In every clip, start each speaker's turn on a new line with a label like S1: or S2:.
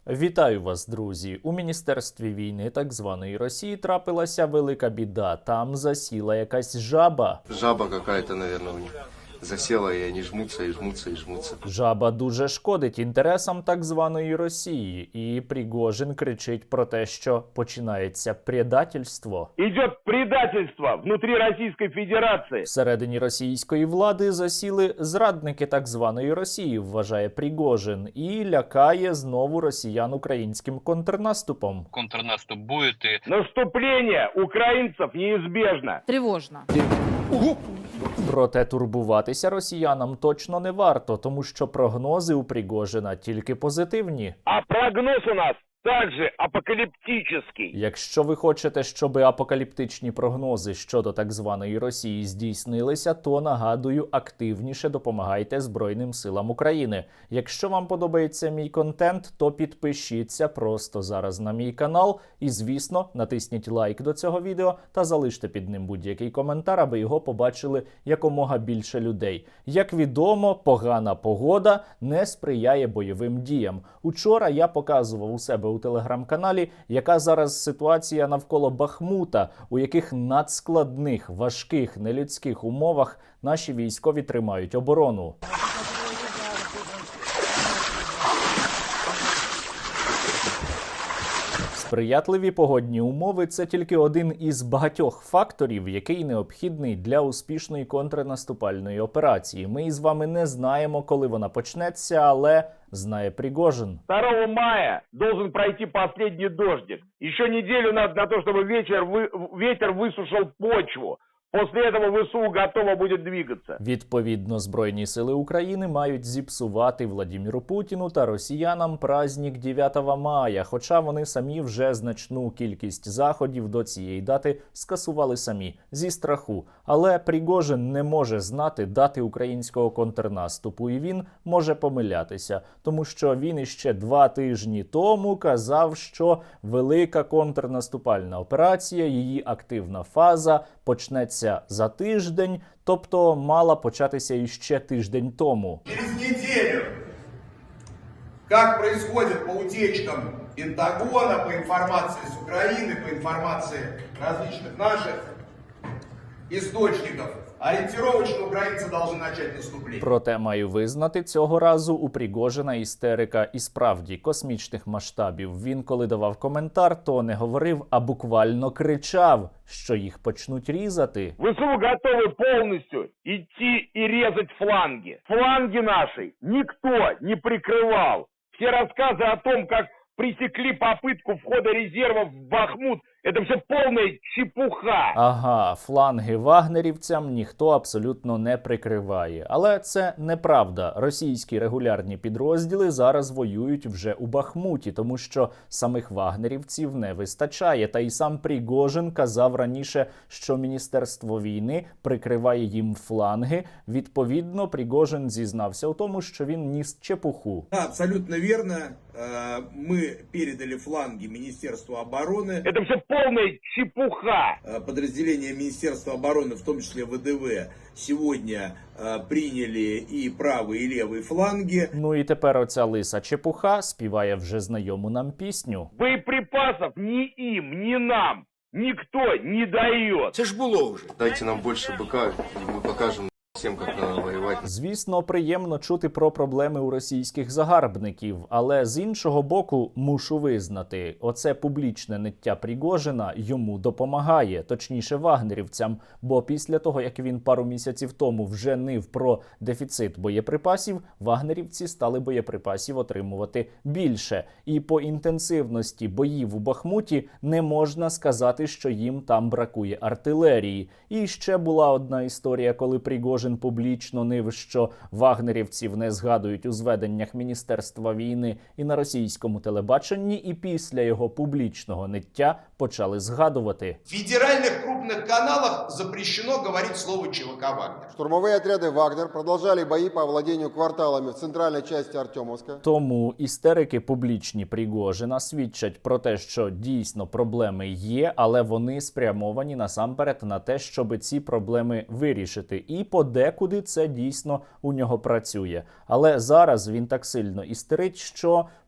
S1: Вітаю вас, друзі! У Міністерстві війни так званої Росії трапилася велика біда. Там засіла якась жаба.
S2: Жаба какая-то, наверное, у них засела, и они жмутся, и жмутся, и жмутся.
S1: Жаба дуже шкодить інтересам так званої Росії. І Пригожин кричить про те, що починається предательство.
S3: Идет предательство внутри Российской Федерации.
S1: Всередині російської влади засіли зрадники так званої Росії, вважає Пригожин, і лякає знову росіян українським контрнаступом.
S4: Контрнаступ будет, и
S3: Наступление украинцев неизбежно.
S5: Тревожно.
S1: Проте турбуватися росіянам точно не варто, тому що прогнози у Пригожина тільки позитивні.
S3: А прогноз у нас также апокалиптический.
S1: Якщо ви хочете, щоб апокаліптичні прогнози щодо так званої Росії здійснилися, то, нагадую, активніше допомагайте Збройним силам України. Якщо вам подобається мій контент, то підпишіться просто зараз на мій канал і, звісно, натисніть лайк до цього відео та залиште під ним будь-який коментар, аби його побачили якомога більше людей. Як відомо, погана погода не сприяє бойовим діям. Учора я показував у себе у телеграм-каналі, яка зараз ситуація навколо Бахмута, у яких надскладних, важких, нелюдських умовах наші військові тримають оборону. Сприятливі погодні умови – це тільки один із багатьох факторів, який необхідний для успішної контрнаступальної операції. Ми із вами не знаємо, коли вона почнеться, але знає Пригожин.
S3: 2 мая должен пройти последний дождик. Еще неделю надо на то, чтобы ветер высушил почву. После этого ВСУ готово будет двигаться.
S1: Відповідно, Збройні сили України мають зіпсувати Владіміру Путіну та росіянам праздник 9 мая, хоча вони самі вже значну кількість заходів до цієї дати скасували самі, зі страху. Але Пригожин не може знати дати українського контрнаступу, і він може помилятися, тому що він іще 2 тижні тому казав, що велика контрнаступальна операція, її активна фаза почнеться за тиждень, тобто мала початися іще тиждень тому.
S6: Через неделю, как происходит по утечкам Пентагона, по информации с Украины, по информации различных наших источников, ориентировочно украинцы должны начать наступление.
S1: Проте маю визнати, цього разу у Пригожина істерика і справді космічних масштабів. Він, коли давав коментар, то не говорив, а буквально кричав, що їх почнуть різати.
S3: ВСУ готовы полностью идти и резать фланги. Фланги наши никто не прикрывал. Все рассказы о том, как пресекли попытку входа резервов в Бахмут, это все полная чепуха.
S1: Ага, фланги вагнерівцям ніхто абсолютно не прикриває. Але це неправда. Російські регулярні підрозділи зараз воюють вже у Бахмуті, тому що самих вагнерівців не вистачає. Та й сам Пригожин казав раніше, що Міністерство війни прикриває їм фланги. Відповідно, Пригожин зізнався у тому, що він ніс чепуху.
S6: Да, абсолютно верно. Мы передали фланги Министерству обороны.
S3: Это все полная чепуха.
S6: Подразделения Министерства обороны, в том числе ВДВ, сегодня приняли и правый, и левый фланги.
S1: Ну і тепер оця лиса чепуха співає вже знайому нам пісню.
S3: Боеприпасов ни им, ни нам никто не дает.
S6: Це ж було вже.
S2: Дайте нам больше быка, и мы покажем всем, как надо воевать.
S1: Звісно, приємно чути про проблеми у російських загарбників, але з іншого боку, мушу визнати, оце публічне ниття Пригожина йому допомагає, точніше вагнерівцям, бо після того, як він пару місяців тому вже нив про дефіцит боєприпасів, вагнерівці стали боєприпасів отримувати більше. І по інтенсивності боїв у Бахмуті не можна сказати, що їм там бракує артилерії. І ще була одна історія, коли Пригожин публічно нив, що вагнерівців не згадують у зведеннях Міністерства війни і на російському телебаченні, і після його публічного ниття почали згадувати.
S6: В федеральных крупных каналах запрещено говорить слово ЧВК «Вагнер».
S7: Штурмовые отряды «Вагнер» продолжали бои по овладению кварталами в центральной части Артемовска.
S1: Тому істерики публічні Пригожина свідчать про те, що дійсно проблеми є, але вони спрямовані насамперед на те, щоб ці проблеми вирішити. І подекуди це дійсно у нього працює. Але зараз він так сильно істерить, що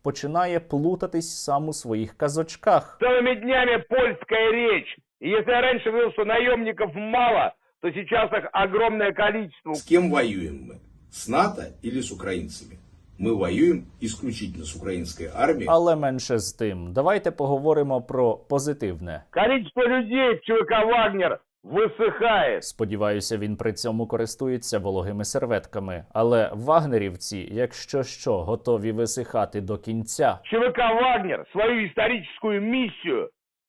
S1: починає плутатись сам у своїх казочках.
S3: Целыми днями польская речь. И если я раньше говорил, что наемников мало, то сейчас их огромное количество.
S4: С кем воюем мы? С НАТО или с украинцами? Мы воюем исключительно с украинской армией.
S1: Але менше з тим, давайте поговоримо про позитивне.
S3: Количество людей в ЧВК «Вагнер» высыхает.
S1: Сподіваюся, він при цьому користується вологими серветками. Але вагнерівці, якщо що, готові висихати до кінця.
S3: ЧВК «Вагнер» свою историческую миссию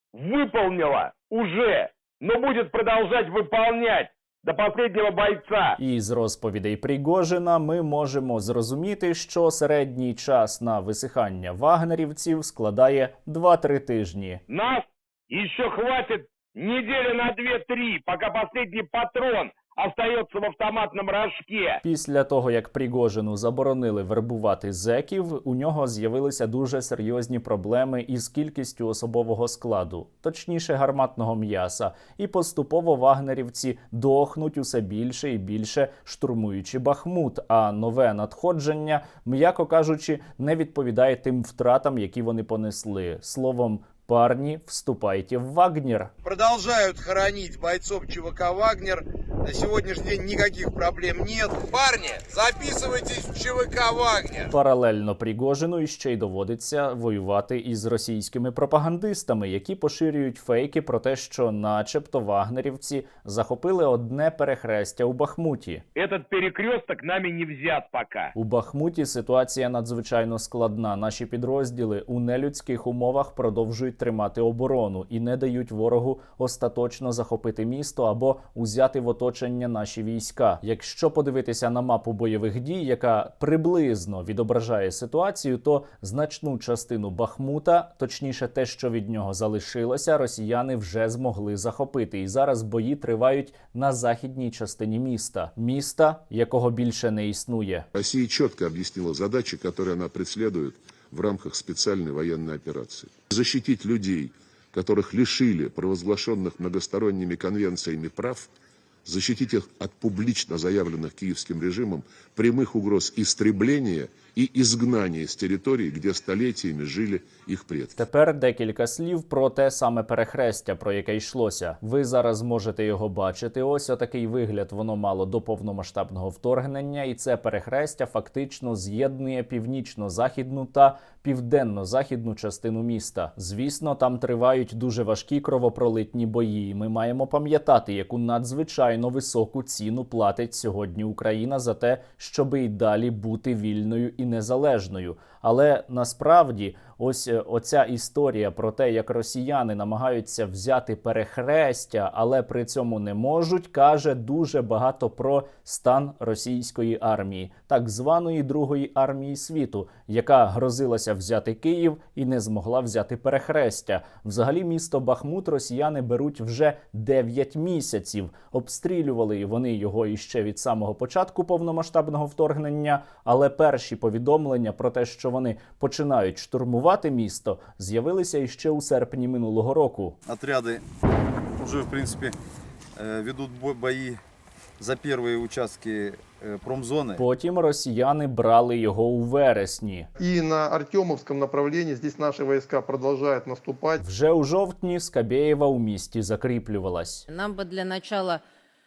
S3: выполнила уже, но будет продолжать выполнять до последнего бойца.
S1: І з розповідей Пригожина ми можемо зрозуміти, що середній час на висихання вагнерівців складає 2-3 тижні.
S3: Нас еще хватит недели на 2-3, пока последний патрон остается в автоматном рожке.
S1: Після того, як Пригожину заборонили вербувати зеків, у нього з'явилися дуже серйозні проблеми із кількістю особового складу, точніше гарматного м'яса, і поступово вагнерівці дохнуть усе більше і більше, штурмуючи Бахмут, а нове надходження, м'яко кажучи, не відповідає тим втратам, які вони понесли. Словом, парни, вступайте в Вагнер.
S6: Продолжают хоронить бойцов ЧВК «Вагнер». На сегодняшний день никаких проблем нет. Парни, записывайтесь в ЧВК «Вагнер».
S1: Паралельно Пригожину іще й доводиться воювати із російськими пропагандистами, які поширюють фейки про те, що начебто вагнерівці захопили одне перехрестя у Бахмуті.
S3: Этот перекресток нами не взят пока.
S1: У Бахмуті ситуація надзвичайно складна. Наші підрозділи у нелюдських умовах продовжують тримати оборону і не дають ворогу остаточно захопити місто або узяти в оточення наші війська. Якщо подивитися на мапу бойових дій, яка приблизно відображає ситуацію, то значну частину Бахмута, точніше те, що від нього залишилося, росіяни вже змогли захопити. І зараз бої тривають на західній частині міста. Міста, якого більше не існує.
S5: Россия четко объяснила задачи, которые она преследует в рамках специальной военной операции. Защитить людей, которых лишили провозглашенных многосторонними конвенциями прав, защитить их от публично заявленных киевским режимом прямых угроз истребления и изгнания с территорий, где столетиями жили их предки.
S1: Тепер декілька слів про те саме перехрестя, про яке йшлося. Ви зараз можете його бачити. Ось отакий вигляд воно мало до повномасштабного вторгнення, і це перехрестя фактично з'єднує північно-західну та південно-західну частину міста. Звісно, там тривають дуже важкі кровопролитні бої. Ми маємо пам'ятати, яку надзвичайно високу ціну платить сьогодні Україна за те, щоби й далі бути вільною і незалежною. Але насправді ось оця історія про те, як росіяни намагаються взяти перехрестя, але при цьому не можуть, каже дуже багато про стан російської армії, так званої Другої армії світу, яка грозилася взяти Київ і не змогла взяти перехрестя. Взагалі місто Бахмут росіяни беруть вже 9 місяців. Обстрілювали вони його іще від самого початку повномасштабного вторгнення, але перші повідомлення про те, що вони починають штурмувати місто, з'явилися іще у серпні минулого року.
S8: Отряды уже, в принципе, ведут бои за первые участки промзоны.
S1: Потім росіяни брали його у вересні.
S9: И на Артемовском направлении здесь наши войска продолжают наступать.
S1: Вже у жовтні Скабєєва у місті закріплювалась.
S10: Нам бы для начала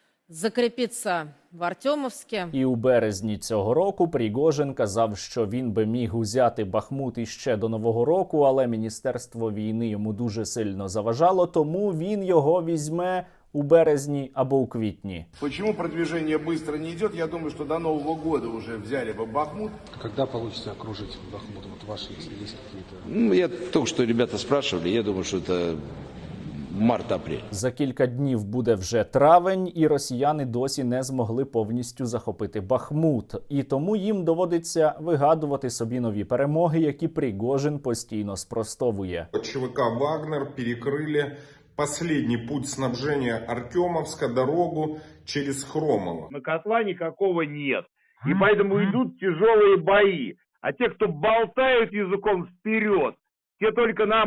S10: закрепиться в Артемовске.
S1: І у березні цього року Пригожин казав, що він би міг узяти Бахмут іще до Нового року, але Міністерство війни йому дуже сильно заважало, тому він його візьме у березні або у квітні.
S6: Почему продвижение быстро не идет? Я думаю, что до Нового года уже взяли бы Бахмут.
S11: Когда получится окружить Бахмут? Вот ваши, если есть какие-то...
S4: Ну, я только что ребята спрашивали, я думаю, что это март-апрель.
S1: За кілька днів буде вже травень, і росіяни досі не змогли повністю захопити Бахмут. І тому їм доводиться вигадувати собі нові перемоги, які Пригожин постійно спростовує.
S12: ЧВК «Вагнер» перекрыли последний путь снабжения Артемовска, дорогу через Хромово.
S3: На котла никакого нет. И поэтому идут тяжелые бои. А те, кто болтают языком вперед, те только нам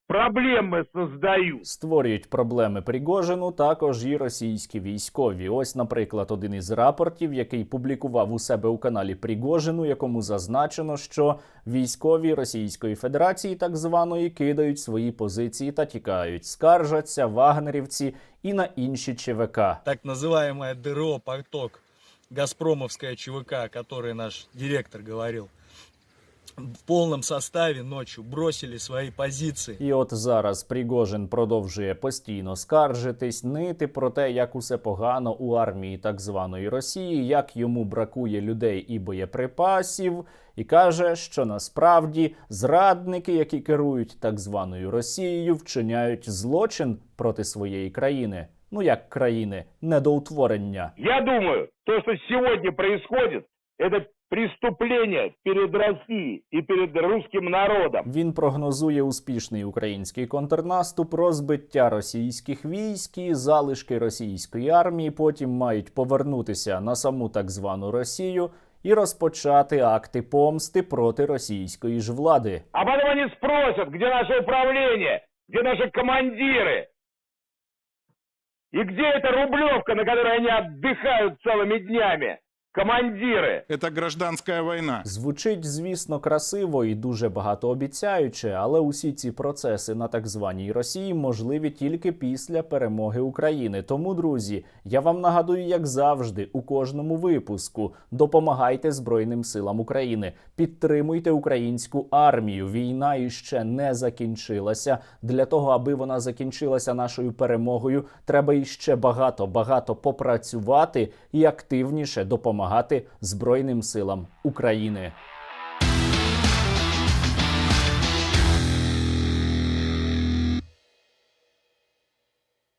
S3: проблемы создают.
S1: Створюють проблеми Пригожину також і російські військові. Ось, наприклад, один із рапортів, який публікував у себе у каналі Пригожину, якому зазначено, що військові Російської Федерації, так званої, кидають свої позиції та тікають, скаржаться вагнерівці і на інші ЧВК.
S13: Так называемое ДРО «Поток», газпромовская ЧВК, о которой наш директор говорил, в повному составі ночью бросили свої позиції.
S1: І от зараз Пригожин продовжує постійно скаржитись, нити про те, як усе погано у армії так званої Росії, як йому бракує людей і боєприпасів, і каже, що насправді зрадники, які керують так званою Росією, вчиняють злочин проти своєї країни. Ну як країни, недоутворення.
S3: Я думаю, то, что сегодня происходит, это преступление перед Россией и перед русским народом.
S1: Він прогнозує успішний український контрнаступ, розбиття російських військ і залишки російської армії потім мають повернутися на саму так звану Росію і розпочати акти помсти проти російської ж влади.
S3: А потом они спросят, где наше управление, где наши командиры, и где эта Рублевка, на которой они отдыхают целыми днями. Командири.
S12: Это гражданская война.
S1: Звучить, звісно, красиво і дуже багатообіцяюче, але усі ці процеси на так званій Росії можливі тільки після перемоги України. Тому, друзі, я вам нагадую, як завжди, у кожному випуску: допомагайте Збройним силам України, підтримуйте українську армію. Війна іще не закінчилася. Для того, аби вона закінчилася нашою перемогою, треба іще багато попрацювати і активніше допомагати Збройним силам України.